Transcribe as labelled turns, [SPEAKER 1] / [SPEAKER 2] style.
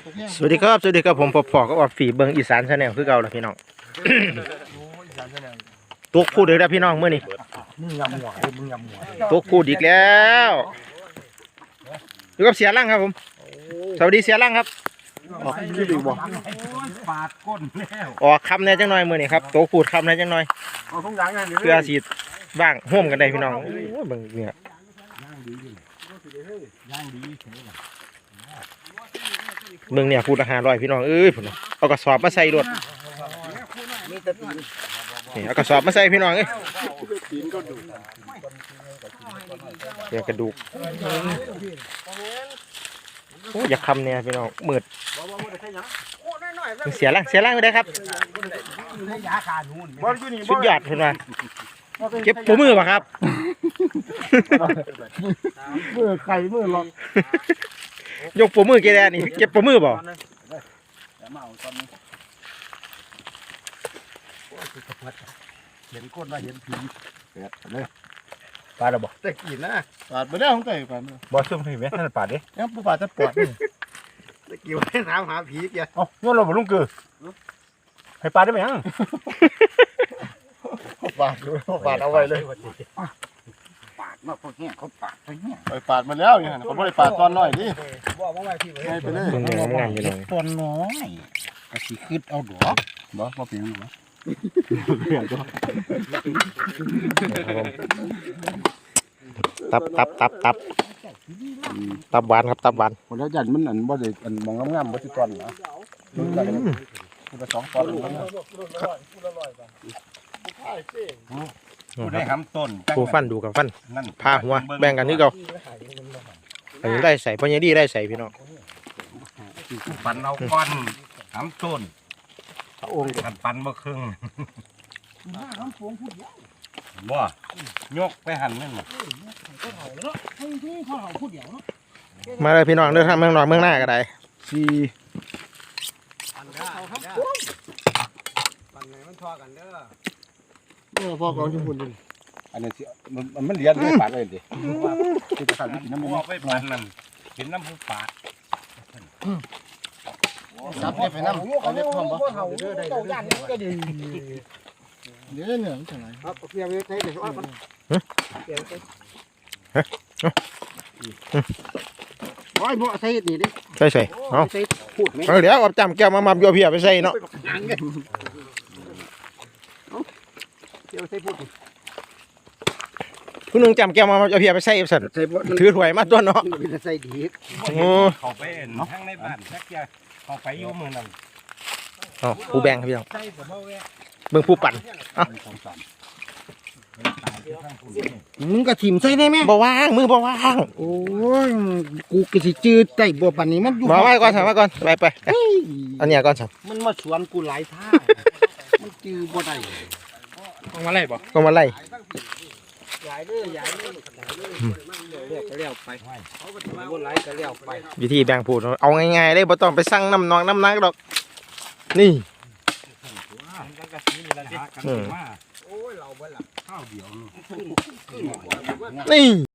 [SPEAKER 1] สวัสดีครับผมพอก็ออกฝีเบิงอีสานชาแนลคือเก่าแล้วพี่น้องตุกพูดอีกแล้วพี่น้องเมื่อนี้ตุกพูดอีกแล้วอยู่กับเสียร่างครับผมสวัสดีเสียร่างครับออกชื่อดีบ่ปาดก้นแล้วออกคำแน่จังหน่อยมื่อนี้ครับตุกพูดคำแน่จังหน่อยเพื่อสีบ้างห่วมกันได้พี่น้องเบิ่งเนี่ยเมืองเนี่ยพูดราคา100พี่น้องเอ้ยผมเอากระสอบมาใส่รถนี่เอากระสอบมาใส่พี่น้องเอ้ยเดี๋ยวกระดูกโอ้อยากคำเนี่ยพี่น้องมืดเสียร่างไม่ได้ครับสุดยอดเห็นไหมเก็บปูมือป่ะครับ
[SPEAKER 2] มือไข่มือหลอก
[SPEAKER 1] ยกปูมือเกลียนี่เก็บปูมือบ่
[SPEAKER 2] เห็นก้นว่าเห็นผีเลย
[SPEAKER 1] ปลาดบ่
[SPEAKER 2] แต่กินนะปาดไม่ได้ของไก่ปาด
[SPEAKER 1] บ่ซุ่มผีไหมท่านปลาดิ
[SPEAKER 2] ยังผู้ปาดจะปวดแต่กี่วันถามหาผีแก
[SPEAKER 1] อ๋อย้อนเราบ่ลุงเกือให้ปลาได้ไหมยัง
[SPEAKER 2] ปาดดูปาดเอาไว้เลย
[SPEAKER 3] ปาดมาพวกเนี้ยเขาปาดไปเนี่ย
[SPEAKER 2] ไปปาดมาแล้วอย่างนั้นเขาไม่ได้ปาดตอนน้อยดิให้ไปเลย
[SPEAKER 1] งานอยู่เลย
[SPEAKER 3] ตัวน้อยก็สิขึ้นเอาดอก
[SPEAKER 2] บ่มาเปลี่ยนหรอ
[SPEAKER 1] ตับหวานครับตับหวาน
[SPEAKER 2] คนแล้วยันมันอันบ่ได้อันมองงามๆบ่สิตอนเหรอมันก็2 ตอน
[SPEAKER 3] ผู้ได้ทำต้น
[SPEAKER 1] ผู้ฟันดูกับฟันพาหัวแบ่งกันนี่เก่าอันนี้ได้ใส่พญาดีได้ใส่พี่น้อง
[SPEAKER 3] ปันเอาก้อนทำต้นองค์กันปันมาครึ่งบ่ยกไปหั่นนั่น
[SPEAKER 1] มาเลยพี่น้องเดินทางเมืองนอกเมืองหน้าก็ได้
[SPEAKER 2] 4พ่อกองชมพูนอันนี้สิมันเลี้ยงด้วยปากเลยดิคือจะขาดวิธีน้ำมัน
[SPEAKER 3] ไปปันนั่นเห็นน้ำผู้ปาด
[SPEAKER 2] ซับเนี่ยไปน้ำเอาเล็บพร้อมบ่เดี๋ยวเนี่ยมันจะไหนครับเพียงใช้เดี๋ยวเอาก่อนโอ้ยบ่ใส่นี่ดิ
[SPEAKER 1] ใส่เอา
[SPEAKER 2] พูดไหม
[SPEAKER 1] เดี๋ยวเอาจำแก้วมาโยเพียไปใส่เนาะ
[SPEAKER 2] เดี๋ยวใส่พูด
[SPEAKER 1] คุณลุงจำแก้วมาโยเพียไปใส่สันถือถ้วยมาตัวเนาะ
[SPEAKER 2] ใส่ดี
[SPEAKER 1] โอ้
[SPEAKER 3] เขาไปทั้งในบ้านแค่เขาไปอยู่มือนั่น
[SPEAKER 1] ผู้แบ่งครับพี่น้องเบิ่งผู้ปั่น
[SPEAKER 2] มึงก็ถิ่มใส่ได้ไหม
[SPEAKER 1] บ่ว่างมือบ่ว่าง
[SPEAKER 2] โอ้ยกูก็สิจืดใจบ่ปานนี้มันอยู่
[SPEAKER 1] มาไว้ก่อนสั่งมาก่อนไปอันนี้ก่อนสั่ง
[SPEAKER 2] มันมาสวนกูหลายท่ามันจืดบ่ได้
[SPEAKER 1] ก็มาไล่ก็มาไล่
[SPEAKER 2] ย้ายเลยเรียกก็เลี้ยวไปบ่ไหลก็เลี้ยวไป
[SPEAKER 1] วิธีแบ่งผูดเอาง่ายๆเลยบ่ต้องไปสั่งน้ำนองน้ำนักดอกนี่
[SPEAKER 3] โอ้ยเราเบิ่งล่ะข้าวเดียว
[SPEAKER 1] นี่